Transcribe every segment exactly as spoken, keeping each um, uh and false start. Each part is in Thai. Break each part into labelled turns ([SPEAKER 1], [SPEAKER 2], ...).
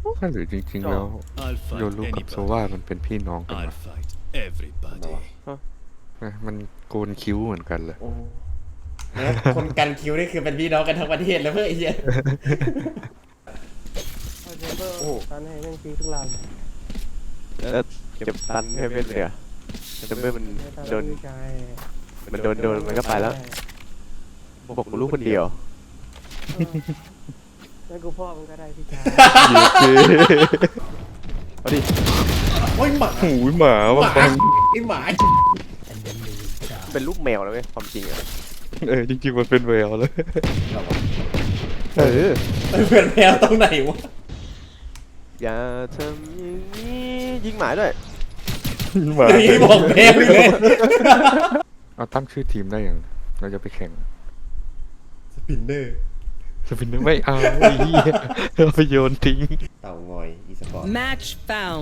[SPEAKER 1] ถ้าหรือจริงๆแล้วโยรุกับโซวามันเป็นพี่น้องกันวะนะมันโกนคิ้วเหมือนกันเลย
[SPEAKER 2] โอ้แล้วคนกันคิวนี่คือเป็นพี่น้องกันทั้งประเทศแล้วเพื่อไอ้เหี้ย
[SPEAKER 3] โอ้ตันให้แม่งทีทุกล
[SPEAKER 4] แล้วเก็บตันให้เป็นเลยอะแต่เมื่อมัน
[SPEAKER 3] ำ
[SPEAKER 4] โดน
[SPEAKER 3] ใช่
[SPEAKER 4] มันโดนโดนมันก็ไปแล้วบอกกูรู้คนเดียว
[SPEAKER 3] แล้วกูพ่อมันก็ได้พี่ชาย
[SPEAKER 4] เอาดิ
[SPEAKER 2] โอ้ยหมา
[SPEAKER 1] หูยหมา
[SPEAKER 2] ห
[SPEAKER 1] บาง
[SPEAKER 2] มา
[SPEAKER 1] ครั้ง
[SPEAKER 2] ไอ้หมา
[SPEAKER 4] เป็นลูกแมวแล้วเว้ยความจริงอะ
[SPEAKER 1] เออจริงๆมันเป็นแววเลย
[SPEAKER 4] เออ
[SPEAKER 2] เพื่อนแมวตรงไหนวะ
[SPEAKER 4] อย่าทำอย่างนี้ยิงหมาด้วย
[SPEAKER 1] หมา
[SPEAKER 2] อย่างนี้บอกแมวเลย
[SPEAKER 1] เอาตั้งชื่อทีมได้ยังเราจะไปแข่ง
[SPEAKER 2] สปินเนอร์
[SPEAKER 1] จะเป็นไม่เอาไอ้เหี้ยเราไปโยนทิ้ง
[SPEAKER 2] เต่างอยอีสปอร์ต
[SPEAKER 5] Match found.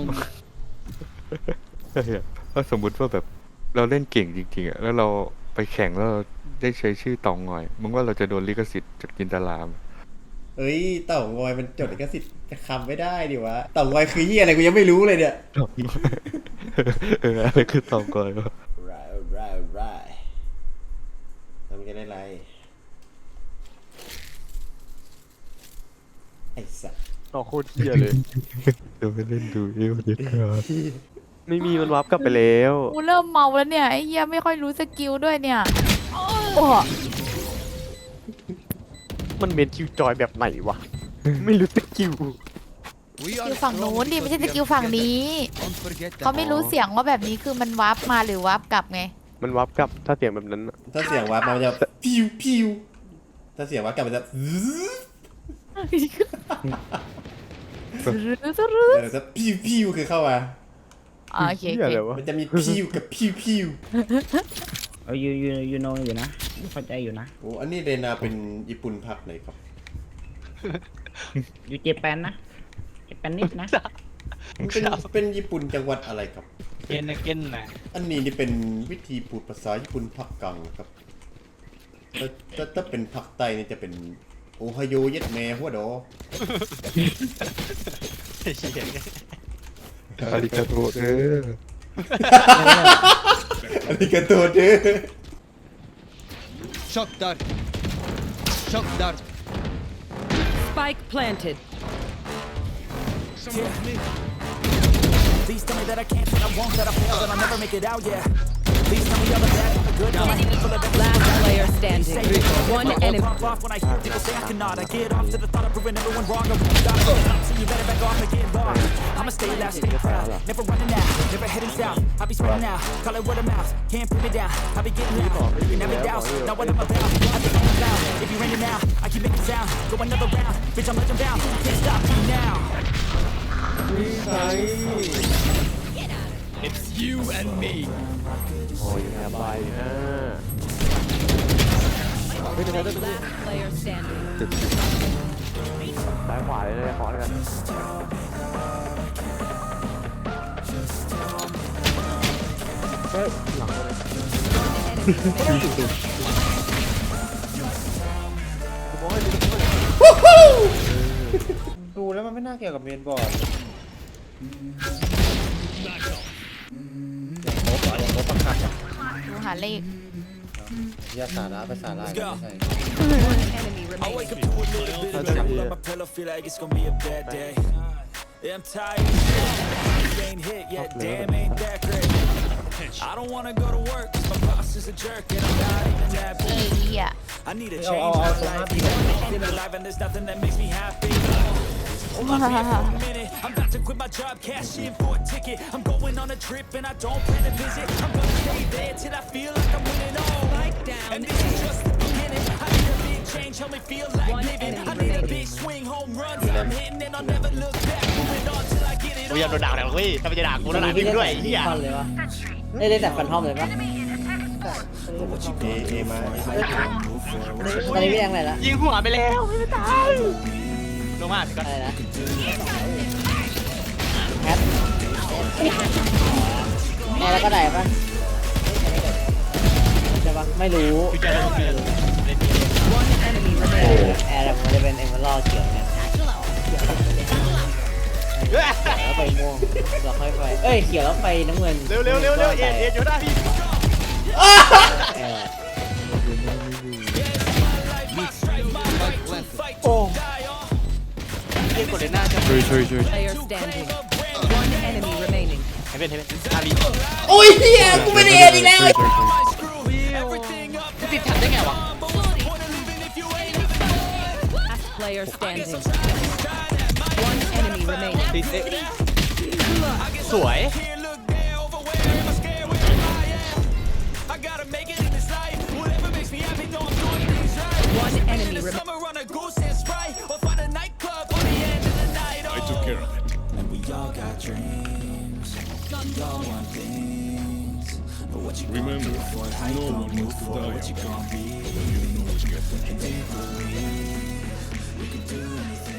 [SPEAKER 1] ถ้าสมมุติว่าแบบเราเล่นเก่งจริงๆอ่ะแล้วเราไปแข่งแล้วเราได้ใช้ชื่อตองงอยมึงว่าเราจะโดนลิขสิทธิ์จากจินตลาม
[SPEAKER 2] เอ้ยเต่างอยมันจดลิขสิทธิ์คำไม่ได้ดิวะเต่างอยคือเหี้ยอะไรกูยังไม่รู้เลยเนี่ย
[SPEAKER 1] ตองงอยเอออะไรคือตองงอยวะ
[SPEAKER 2] ไรไรไรทำกันได้ไรไอ้สัส
[SPEAKER 4] อ๋อโคตรเที่ยเลย
[SPEAKER 1] เดี๋ยวไปเล่นดูเอวเดี๋ยวก่อน
[SPEAKER 4] ไม่มีมันวับกลับไปแล้ว
[SPEAKER 6] กูเริ่มเมาแล้วเนี่ยไอ้เหี้ยไม่ค่อยรู้สกิลด้วยเนี่ยโอ้
[SPEAKER 4] มันเมนคิวจอยแบบไหนวะไม่รู้สกิล
[SPEAKER 6] สกิลฝั่งนู้นดิไม่ใช่สกิลฝั่งนี้เขาไม่รู้เสียงว่าแบบนี้คือมันวาร์ปมาหรือวาร์ปกลับไง
[SPEAKER 4] มันวับกลับถ้าเสียงแบบนั้นอะ
[SPEAKER 2] ถ้าเสียงวัดมันจะพิวพิวถ้าเสียงวัดกลับมันจะเออจะพิวพิวคือเข้ามา
[SPEAKER 6] อ่าโอเคโอ
[SPEAKER 4] เที่ย
[SPEAKER 6] เค
[SPEAKER 4] อะไรวะ
[SPEAKER 2] มันจะมีพิวกับพิวพิว
[SPEAKER 7] เออยูยูยูโนอยู่นะเข้าใจอยู่นะ
[SPEAKER 2] โอ้อันนี้เรนาเป็นญี่ปุ่นพักไหนครับ
[SPEAKER 7] อยู่เจแปนนะเจแปนนิดนะ
[SPEAKER 2] มันเป็นเป็นญี่ปุ่นจังหวัดอะไรครับ
[SPEAKER 8] เกนนะเกนนะ
[SPEAKER 2] อันนี้นี่เป็นวิธีพูดภาษาญี่ปุ่นภาคกลางครับถ้าถ้าถ้าเป็นภาคใต้นี่จะเป็นโอไฮโอเย็ดแม่หัวดอ
[SPEAKER 1] อาริกาโตเด้อ
[SPEAKER 2] อันนี้กระตัวเด้อ
[SPEAKER 8] ช็อกดาร์ช็อกดาร์
[SPEAKER 5] Spike planted.
[SPEAKER 9] Please tell me that I can't, that I won't, that I fail, that I'll never make it out, yeah. Please tell me all the bad, the good, all my people that
[SPEAKER 5] Last player standing. One enemy.
[SPEAKER 9] pop off when I hear people say I cannot. I get off to the thought of proving everyone wrong. I won't stop. So you better back off and get lost. I'ma stay loud, stay proud, never running out, never heading south. I'll be spreading out, call it word of mouth, can't put me down. I'll be getting loud, you never doubt, not what I'm about. I think I'm loud, if you raining now, I keep making sound. Go another round, bitch I'm legend bound. You can't stop me now.
[SPEAKER 8] It's you and me
[SPEAKER 4] โอ้ยแอบไปนะ
[SPEAKER 5] Last player standing.
[SPEAKER 4] ซ้ายขวาเลยเลยขอเลยกันเฮ้ยหลังเลย
[SPEAKER 3] ดูแล้วมันไม่น่าเกี่ยวกับเมนบอร์ดอย่างโต๊ะเหรออย่างโต๊ะประคับอ่ะ
[SPEAKER 6] ดูหาเลข
[SPEAKER 3] ยาสาระภาษาลายไม่ใช่
[SPEAKER 5] Enemy
[SPEAKER 9] I wake up
[SPEAKER 5] remaining.
[SPEAKER 9] to a little bit of that. Pull up my pillow, feel like it's gonna be a bad day. Yeah, I'm tired. You ain't hit yet, damn, ain't that great. I don't wanna go to work, 'cause my boss is a jerk, and I'm not even that
[SPEAKER 6] เอ้ย
[SPEAKER 9] big.
[SPEAKER 6] อ่ะ
[SPEAKER 9] I need a
[SPEAKER 3] Oh,
[SPEAKER 9] change
[SPEAKER 3] oh,
[SPEAKER 9] in my
[SPEAKER 3] oh, so
[SPEAKER 9] life.
[SPEAKER 3] happy.
[SPEAKER 9] I'm alive, and there's nothing that makes me happy. Hold on for a minute. I'm about to quit my job, cash in for a ticket. I'm going on a trip, and I don't plan to visit. I'm gonna stay there till I feel like I'm winning all.
[SPEAKER 5] Spike down.
[SPEAKER 9] And this is just the beginning. I need a big change, help me feel like
[SPEAKER 5] One
[SPEAKER 9] living.
[SPEAKER 5] enemy
[SPEAKER 9] I need a
[SPEAKER 5] remaining.
[SPEAKER 9] big swing, home runs. I'm hitting, and I'll never look back. Moving on till I get it
[SPEAKER 8] กูอยากโดนด่าแล้วเฮ้ยถ้าไม่จะด่ากูแล้วด่าพี่ด้วยไอ้เหี้ย
[SPEAKER 3] ฟันเลยวะได้เล่นแต่ฟันทอมเลยปะ
[SPEAKER 2] เอเอมา
[SPEAKER 3] ตอนนี้พี่แรงอะไรละ
[SPEAKER 8] ยิงหัวไปแล้วไม่ตายลงมาสิก็
[SPEAKER 3] อะไรนะแคทแอร์แล้วก็ได้ปะใช่ปะไม่รู้
[SPEAKER 8] คือจะลงเรียนเล่น
[SPEAKER 5] One enemy
[SPEAKER 3] แอ
[SPEAKER 5] remaining.
[SPEAKER 3] ร์แอร์มันจะเป็นเอเมอรัลด์เขียวเนี่ย
[SPEAKER 7] แล้วไฟม่วงเราค่อยไฟเอ้ยเขียวแล้วไฟน้ำเงิน
[SPEAKER 8] เร็วเร็วเร็วเร็วเอ็ดเอ็ดอยู่หน้าพี่
[SPEAKER 7] เออ
[SPEAKER 8] โอ้เรียกกดเลยหน้าจะ
[SPEAKER 1] ช่วยช่วยช่วย
[SPEAKER 5] Player standing. One enemy remaining.
[SPEAKER 8] เห็นเป็นเห็นเป็นอาลี
[SPEAKER 2] โอ้ยเฮียกูไม่ได้เอ็ดอีกแล้ว
[SPEAKER 8] จะติดแท็บได้ไงวะ
[SPEAKER 5] Last player standing. One enemy remaining.
[SPEAKER 8] ติดเอ๊ะสวย
[SPEAKER 5] One enemy remaining.
[SPEAKER 10] Remember, no one wants to die alone. You know what you get.